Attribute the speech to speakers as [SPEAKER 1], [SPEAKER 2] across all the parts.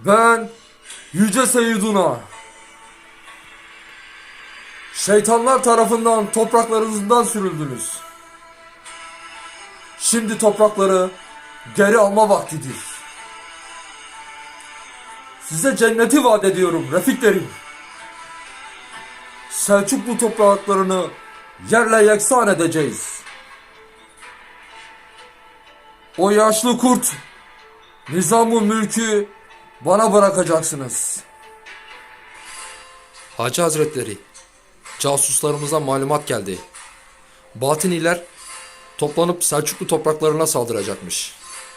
[SPEAKER 1] Ben Yüce Seyyiduna, şeytanlar tarafından topraklarınızdan sürüldünüz. Şimdi toprakları geri alma vaktidir. Size cenneti vaat ediyorum refiklerim. Selçuklu topraklarını yerle yeksan edeceğiz. O yaşlı kurt, nizamı mülkü bana bırakacaksınız.
[SPEAKER 2] Hacı Hazretleri, casuslarımıza malumat geldi. Batıniler toplanıp Selçuklu topraklarına saldıracakmış.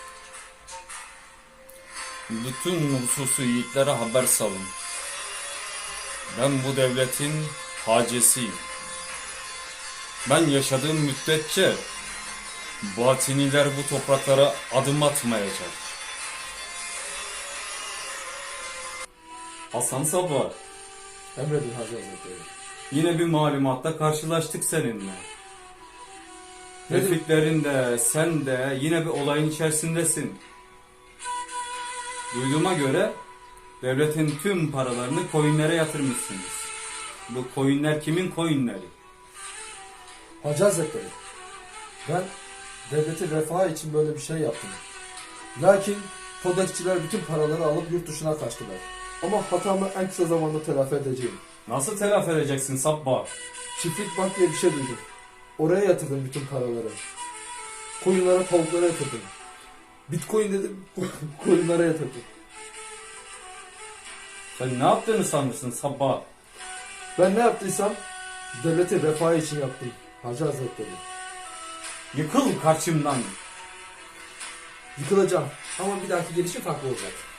[SPEAKER 3] Bütün nüfusu yiğitlere haber salın. Ben bu devletin hacesiyim. Ben yaşadığım müddetçe batiniler bu topraklara adım atmayacak. Hasan Sabah,
[SPEAKER 1] Emredin Hacı Hazretleri.
[SPEAKER 3] yine bir malumatla karşılaştık seninle.
[SPEAKER 1] Nedir?
[SPEAKER 3] Refiklerin de sen de yine bir olayın içerisindesin. Duyduğuma göre devletin tüm paralarını coinlere yatırmışsınız. Bu coinler kimin coinleri?
[SPEAKER 1] Hacı Hazretleri, ben devletin refahı için böyle bir şey yaptım. Lakin kodekçiler bütün paraları alıp yurt dışına kaçtılar. Ama hatamı en kısa zamanda telafi edeceğim.
[SPEAKER 3] Nasıl telafi edeceksin Sabbah?
[SPEAKER 1] Çiftlik bank diye bir şey duydum. Oraya yatırdım bütün paraları. Koyunlara, tavuklara yatırdım. Bitcoin dedim, koyunlara yatırdım.
[SPEAKER 3] Sen ne yaptığını sanırsın Sabbah?
[SPEAKER 1] Ben ne yaptıysam devletin refahı için yaptım Hacı Hazretleri.
[SPEAKER 3] Yıkıl karşımdan.
[SPEAKER 1] Yıkılacağım ama bir dahaki gelişim farklı olacak.